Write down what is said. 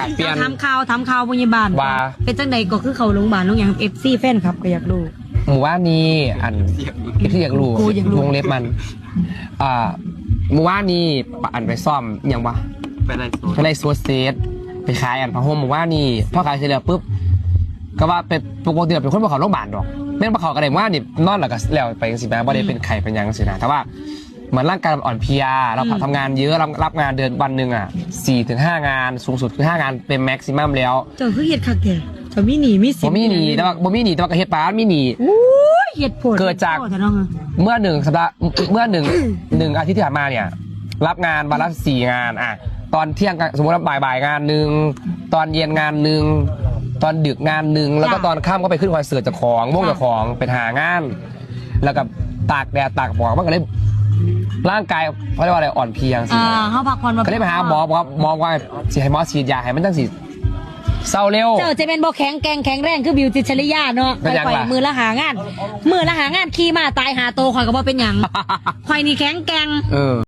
เปลี่ยนทำข่าวพยาบาลว่าเป็นจังใดก็คือเขาโรงพยาบาลน้องอย่าง FC แฟนครับก็อยากรู้หมู่ว่านี้อันที่อยากรู้กูอยากรู้วงเล็บมันหมู่ว่านี้อันไปซ่อมยังวะไปไล่โซนไปไล่โซเซตไปขายอันผ้าห่มหมู่ว่านี้พอขายเสร็จแล้วปุ๊บก็ว่าเป็นปกติเป็นคนมาเขาโรงพยาบาลดอกแม่นมาเขากระเด็นว่านี่นอนหลับก็แล้วไปสิแม่บ่ได้เป็นไข่เป็นยังสินะแต่ว่าเหมือนร่างกายมันอ่อนเพลียเราทำงานเยอะรับงานเดือนวันหนึ่ง4-5 งานสูงสุดคือ5 งานเป็นแม็กซิมัมแล้วเจ้าคือเฮ็ดคักแท้เจ้ามีหนีมีสิบ่มีหนีแต่ว่าบ่มีหนีแต่ว่าก็เฮ็ดปานมีหนีอู้ยเฮ็ดโพดเกิดจากโพแต่น้องอะเมื่อ1 สัปดาห์เมื่อ1 อาทิตย์ที่ผ่านมาเนี่ยรับงานวันละ4 งานตอนเที่ยงสมมติว่าบ่ายงานหนึ่งตอนเย็นงานหนึ่งตอนดึกงานหนึ่งแล้วก็ตอนค่ำก็ไปขึ้นคอนเสิร์ตจากของวงจากของเป็นหางาน แล้วก็ตากแดดตากหมอกมันก็เลยร่างกายเขาเรียกว่าอะไรอ่อนเพลียสิเฮาพักผ่อนมาก็เลยไปหาหมอบอกหมอว่าสิให้หมอฉีดยาให้มันจังสิเศร้าเร็วเจ้าจะเป็นบ่แข็งแรงคือบิวจิตรชลิยาเนาะเป็นหยังข่อยล่ะมือละหางานขี่มาตายหาโตข่อยก็บ่เป็นหยังข่อยนี่แข็งแกร่งเออ